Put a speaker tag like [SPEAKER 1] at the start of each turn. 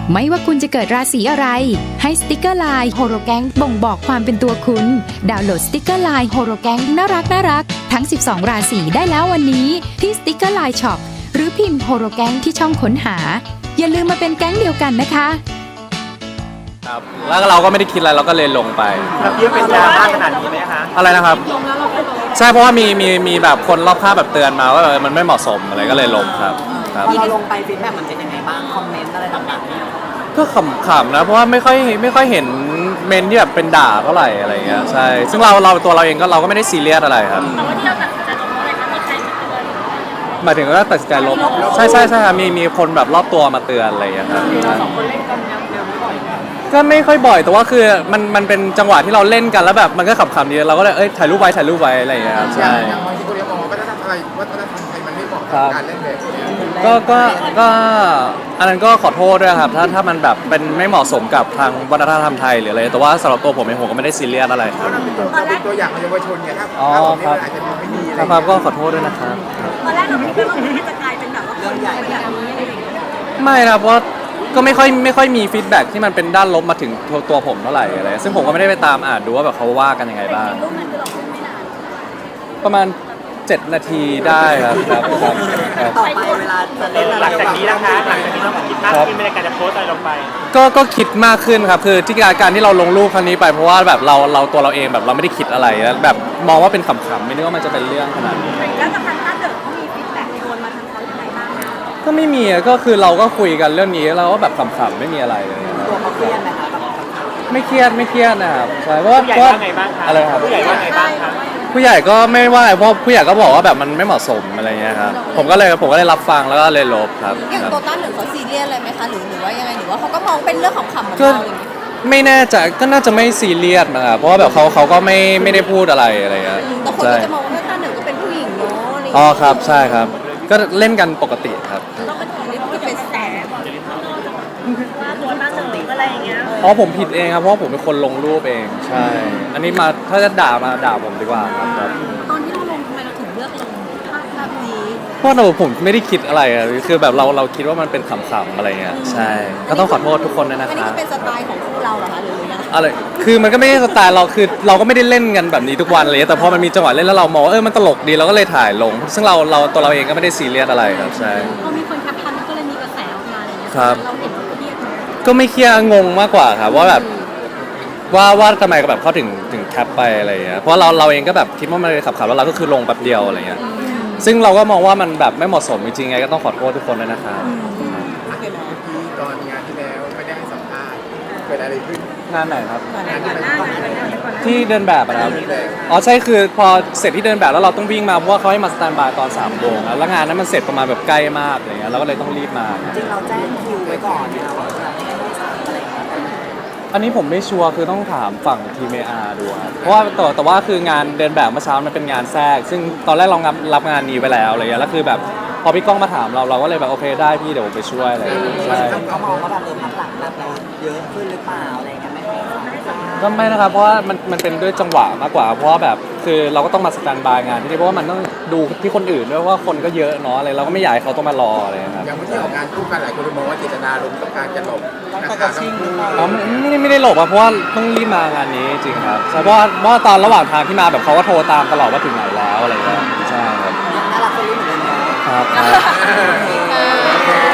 [SPEAKER 1] ไม่ว่าคุณจะเกิดราศีอะไรให้สติกเกอร์ไลน์โฮโรแกงบ่งบอกความเป็นตัวคุณดาวน์โหลดสติกเกอร์ไลน์โฮโรแกงน่ารักทั้ง12ราศีได้แล้ววันนี้ที่สติกเกอร์ไลน์ช็อปหรือพิมพ์โฮโรแกงที่ช่องค้นหาอย่าลืมมาเป็นแก๊งเดียวกันนะคะ
[SPEAKER 2] ครับแล้วเราก็ไม่ได้คิดอะไรเราก็เลยลงไป
[SPEAKER 3] ครับพี่เป็นดราม่าขนาดนี้ไหมคะ
[SPEAKER 2] อะไรนะครับใช่เพราะว่ามีแบบคนรอบข้างแบบเตือนมาว่ามันไม่เหมาะสมอะไรก็เลยลงครับ
[SPEAKER 3] พอเราลงไปฟีดแบ็กมันเป็นยังไงบ้างคอมเมนต์อะไรต่างๆ
[SPEAKER 2] ก็ขำๆนะเพราะว่าไม่ค่อยเห็นเมนที่แบบเป็นด่าเท่าไหร่อะไรเงี้ยใช่ซึ่งเราตัวเราเองก็เราก็ไม่ได้ซีเรียสอะไรครับ
[SPEAKER 4] แต่ว่าที่เราตัดสินใจลงเพราะอะไรคะมีใครมาเตือน
[SPEAKER 2] หมายถึงว่าตัดสินใจลบใช่ครับมีคนแบบรอบตัวมาเตือนอะไรอย่างเงี้ยครับ
[SPEAKER 3] เราสองคนเล่นกันแนวไม่บ่อย
[SPEAKER 2] ก็ไม่ค่อยบ่อยแต่ว่าคือมันเป็นจังหวะที่เราเล่นกันแล้วแบบมันก็ขำๆดีเราก็เลยถ่ายรูปไว้อะไรอย่างเงี้ยครับใช่
[SPEAKER 5] อย่างบางทีก็เรียกมองว่าวัฒนธรรมไทยมันไม่เหมาะกับการเล่นแบบนี้
[SPEAKER 2] ก็อันนั้นก็ขอโทษด้วยครับถ้ามันแบบเป็นไม่เหมาะสมกับทางวัฒนธรรมไทยหรืออะไรแต่ว่าสำหรับตัวผมเองผมก็ไม่ได้ซีเรียสอะไรครับ
[SPEAKER 5] เป็นตัวอย่างของเยาวชนเนี่ยถ้าผมนี่อาจจะไม่ดีอะไร
[SPEAKER 2] ครับก็ขอโทษด้วยนะครับ
[SPEAKER 4] ตอนแรกเราไม่คิดว่ามันจะกลายเป็นแบบว่าคนใหญ่แบบนี้อะไรอย่างเงี้ย
[SPEAKER 2] ไม่นะเพราะก็ไม่ค่อยมีฟีดแบ็กที่มันเป็นด้านลบมาถึงตัวผมเท่าไหร่อะไรซึ่งผมก็ไม่ได้ไปตามอ่านดูว่าแบบเขาว่ากันยังไงบ้าง
[SPEAKER 4] รูปนั้นคือเราพูดไม่นาน
[SPEAKER 2] ประมาณ7 นาทีได้ครับ
[SPEAKER 3] ต่อไปเวลาจะเล่นหลังจากนี้นะคะหลังจากนี้เราคิดมากขึ้นในการจะโพสอะไรลงไป
[SPEAKER 2] ก็คิดมากขึ้นครับคือที่การที่เราลงรูปครั้งนี้ไปเพราะว่าแบบเราตัวเราเองแบบเราไม่ได้คิดอะไรแล้วแบบมองว่าเป็นขำๆไม่นึกว่ามันจะเป็นเรื่องขนาดนี้
[SPEAKER 4] แล้วกับทางถ้าเกิดเขามีฟีดแบ็กโดนมาทางเขาอย่างไรบ้าง
[SPEAKER 2] ก็ไม่มีก็คือเราก็คุยกันเรื่องนี้เราก็แบบขำๆไม่มีอะไรเลย
[SPEAKER 3] ตัวเขาเครียดไหมคะ
[SPEAKER 2] ไม่เครียดนะครับใช่เพราะว่า
[SPEAKER 3] ผู้ใหญ่ว่าไงบ้างคะ
[SPEAKER 2] อะไรครับ
[SPEAKER 3] ผู้ใหญ่ว่าไงบ้างคะ
[SPEAKER 2] ผู้ใหญ่ก็ไม่ว่าเพราะผู้ใหญ่ก็บอกว่าแบบมันไม่เหมาะสมอะไรเงี้ยครับผมก็เลยรับฟังแล้วก็เลยลบครับ
[SPEAKER 6] อย่างโตต้าหนึ่งเขาซีเรียสอะไรไหมคะหรือว่ายังไงหรือว่าเขาก็มองเป็นเรื่องของขำเหมือน
[SPEAKER 2] ก็
[SPEAKER 6] เราอย่างนี้
[SPEAKER 2] ไม่แน่ใจก็น่าจะไม่ซีเรียสนะครับเพราะว่าแบบเขาก็ไม่ได้พูดอะไรเงี้ย
[SPEAKER 6] แต่คนก็จะมองว่าต้าหนึ่งก็เป็นผู้หญิงเนาะ
[SPEAKER 2] อ๋อครับใช่ครับก็เล่นกันปกติครับ
[SPEAKER 6] ต้องเป็นคนที่เป็นแสบ
[SPEAKER 4] ว่าตัวตั้งหนึ่งอะไรอย่างเงี้ย
[SPEAKER 2] เพราะผมผิดเองครับเพราะผมเป็นคนลงรูปเองใช่อันนี้มาถ้าจะด่าผมดีกว่าครับ
[SPEAKER 4] ตอนที่เราลงทำไมเราถึงเลือกลงภาพนี้
[SPEAKER 2] เพราะผมไม่ได้คิดอะไรอะคือแบบเราคิดว่ามันเป็นขำๆอะไรเงี้ยใช่ก็ต้องขอโทษทุกคนด้วยนะครับ
[SPEAKER 6] อันนี้เป็นสไตล์ของคู่เราเหรอคะหรือยัง
[SPEAKER 2] อะไรคือมันก็ไม่ใช่สไตล์เราคือเราก็ไม่ได้เล่นกันแบบนี้ทุกวันเลยแต่พอมันมีจังหวะเล่นแล้วเรามองว่ามันตลกดีเราก็เลยถ่ายลงซึ่งเราตัวเราเองก็ไม่ได้ซีเรียสอะไรครับใช่
[SPEAKER 4] พอมีคนแคปชั่นก็เลยมีกระแสออกมาอะไรเงี้ย
[SPEAKER 2] ครับ
[SPEAKER 4] เราเห็นเครียด
[SPEAKER 2] ก็ไม่เครียดงงมากกว่าครับว่าแบบว่าทำไมก็แบบเขาถึงแคปไปอะไรเงี้ยเพราะเราเองก็แบบคิดว่ามันขับแล้วเราก็คือลงแป๊บเดียวอะไรเงี้ยซึ่งเราก็มองว่ามันแบบไม่เหมาะสมจริงๆไงก็ต้องขอโทษทุกคนด้วยนะครับ
[SPEAKER 5] ตอนงานที่แล้วไม่ได้ให้สัมภาษณ์เกิดอะไรขึ้น
[SPEAKER 2] งานไหนครับ
[SPEAKER 5] งานที่ไป
[SPEAKER 2] ที่เดินแบบนะครับอ๋อใช่คือพอเสร็จที่เดินแบบแล้วเราต้องวิ่งมาเพราะว่าเขาให้มาสแตนบายตอน3 โมงแล้วงานนั้นมันเสร็จประมาณแบบใกล้มากอะไรเงี้ยเราก็เลยต้องรีบมา
[SPEAKER 3] จริงเราแจ้งคิวไว้ก่อนนะว่าจะให้อะไรอย่างเงี้ย
[SPEAKER 2] อันนี้ผมไม่ชัวร์คือต้องถามฝั่งทีมอาร์ดูครับเพราะว่าแต่ว่าคืองานเดินแบบเมื่อเช้ามันเป็นงานแทรกซึ่งตอนแรกเรารับงานนี้ไปแล้วอะไรเงี้ยแล้วคือแบบพอพี่ก้องมาถามเราก็เลยแบบโอเคได้พี่เดี๋ยวผมไปช่วยอะไรใช่
[SPEAKER 3] เขามองว่าแบบพักหลังแบบเราเยอะขึ้นหรือเปล่าอะไรเงี้ยไม่
[SPEAKER 2] ก็ไม่นะครับเพราะว่ามันเป็นด้วยจังหวะมากกว่าเพราะว่าแบบคือเราก็ต้องมาสแตนบายงานที่นี่เพราะว่ามันต้องดูที่คนอื่นด้วยว่าคนก็เยอะเนาะอะไรเราก็ไม่อยากให้เขาต้องมารออะไรครับ
[SPEAKER 5] อย่างเมื่อที่ออกงานคู่กันหลายคนมองว่าเจตนาลงต้องการจะหลบ
[SPEAKER 3] ต้องชิง
[SPEAKER 2] อ๋อไม่ได้หลบอะเพราะว่าต้องรีบมางานนี้จริงครับใช่เพราะว่าตอนระหว่างทางที่มาแบบเขาก็โทรตามตลอดว่าถึงไหนแล้วอะไรเงี้ยใช่ครับ
[SPEAKER 3] น่ารักคนรู้เหมือนกัน
[SPEAKER 2] ครับ